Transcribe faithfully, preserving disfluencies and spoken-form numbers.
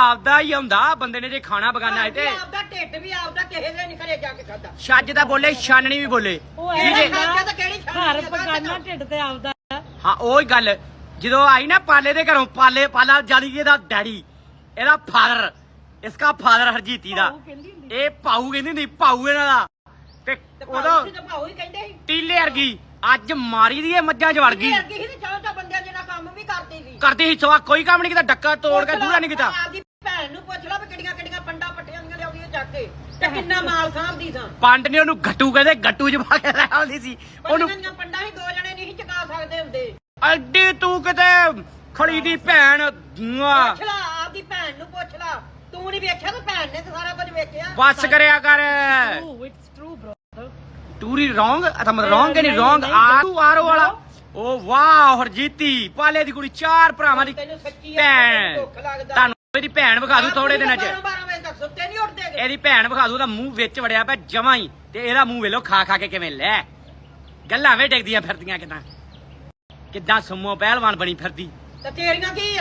ਆਪਦਾ ਹੀ ਹੁੰਦਾ ਬੰਦੇ ਨੇ ਜੇ ਖਾਣਾ ਬਗਾਨਾ ਹੈ ਤੇ ਆਪਦਾ ਢਿੱਡ ਵੀ ਆਪਦਾ ਕਿਸੇ ਦੇ ਨਹੀਂ ਘਰੇ ਜਾ ਕੇ ਖਾਦਾ ਛੱਜ ਤਾਂ ਬੋਲੇ ਛਾਨਣੀ ਵੀ ਬੋਲੇ ਘਰ ਪਕਾਨਾ ਢਿੱਡ ਤੇ ਆਪਦਾ ਹਾਂ ਉਹੀ ਗੱਲ ਜਦੋਂ ਆਈ ਨਾ ਪਾਲੇ ਦੇ ਘਰੋਂ ਪਾਲੇ ਪਾਲਾ ਜਾਨੀ ਇਹਦਾ ਡੈਡੀ ਇਹਦਾ ਫਾਦਰ ਇਸਕਾ ਫਾਦਰ ਹਰਜੀਤੀ ਦਾ ਇਹ ਪਾਉ ਕਹਿੰਦੀ ਹੁੰਦੀ ਪਾਉ ਇਹਨਾਂ ਦਾ ਤੇ ਉਦੋਂ ਭਾਉ ਹੀ ਕਹਿੰਦੇ ਸੀ ਟੀਲੇ ਵਰਗੀ ਅੱਜ ਮਾਰੀ ਦੀ ਇਹ ਮੱਝਾਂ ਚ ਵੜ ਗਈ ਵਰਗੀ ਸੀ ਤੇ ਚਾਹ ਚਾਹ ਬੰਦਿਆਂ ਜਿਹੜਾ ਕੰਮ ਵੀ ਕਰਦੀ ਸੀ ਕਰਦੀ ਸੀ ਸਵਾ ਕੋਈ ਕੰਮ ਨਹੀਂ ਕੀਤਾ ਡੱਕਾ ਤੋੜ ਕੇ ਦੂਰਾ ਨਹੀਂ ਕੀਤਾ ਆਪਦੀ ਭੈਣ ਨੂੰ ਪੁੱਛ ਲਾ ਵੀ ਕਿਹੜੀਆਂ ਕਿਹੜੀਆਂ ਪੰਡਾ ਪੱਟੀਆਂ ਦੀਆਂ ਲਿਆਉਂਦੀਆਂ ਚੱਕ ਕੇ ਤੇ ਕਿੰਨਾ ਮਾਲ ਸਾਂਭਦੀ ਸਾਂ ਪੰਡ ਨੇ ਉਹਨੂੰ ਗੱਟੂ ਕਹਿੰਦੇ ਗੱਟੂ ਚ ਪਾ ਕੇ ਲੈ ਆਉਂਦੀ ਸੀ ਉਹਨੂੰ ਉਹਨੂੰ ਪੰਡਾ ਹੀ ਦੋ ਜਣੇ ਨਹੀਂ ਚਕਾ ਸਕਦੇ ਹੁੰਦੇ ਅੱਡੀ ਤੂੰ ਕਿਤੇ ਖੜੀ ਦੀ ਭੈਣ ਪੁੱਛ ਲਾ ਆਪਦੀ ਭੈਣ ਨੂੰ ਪੁੱਛ ਲਾ ਤੂੰ ਨਹੀਂ ਵੇਖਿਆ ਤੇ ਭੈਣ ਨੇ ਸਾਰਾ ਕੁਝ ਵੇਖਿਆ ਬਸ ਕਰਿਆ ਕਰ ਇਟਸ ਟਰੂ ਬ੍ਰਦਰ ਟੂਰੀ ਰੋਂਗ ਅਥਾ ਮਤ ਰੋਂਗ ਕਿ ਨਹੀਂ ਰੋਂਗ ਆਰੂ ਆਰੋ ਵਾਲਾ ਓ ਵਾਹ ਹਰਜੀਤੀ ਪਾਲੇ ਦੀ ਕੁੜੀ ਚਾਰ ਭਰਾਵਾਂ ਦੀ ਤੈਨੂੰ ਸੱਚੀ ਭੈਣ ਦੁੱਖ ਲੱਗਦਾ ਤੁਹਾਨੂੰ ਇਹਦੀ ਭੈਣ ਵਿਖਾ ਦੂ ਥੋੜੇ ਦਿਨਾਂ ਚ ਬਾਰਾਂ ਵਜੇ ਤੱਕ ਸੁੱਤੇ ਨਹੀਂ ਉੱਠਦੇ ਇਹਦੀ ਭੈਣ ਵਿਖਾ ਦੂ ਦਾ ਮੂੰਹ ਵਿੱਚ ਵੜਿਆ ਪਿਆ ਜਮਾਂ ਹੀ ਤੇ ਇਹਦਾ ਮੂੰਹ ਵੇਲੋ ਖਾ ਖਾ ਕੇ ਕਿਵੇਂ ਲੈ ਗੱਲਾਂ ਵੇ ਡਿੱਗਦੀਆਂ ਫਿਰਦੀਆਂ ਕਿਦਾਂ ਕਿਦਾਂ ਸੁਮੋ ਪਹਿਲਵਾਨ ਬਣੀ ਫਿਰਦੀ ਤੇ ਤੇਰੀਆਂ ਕੀ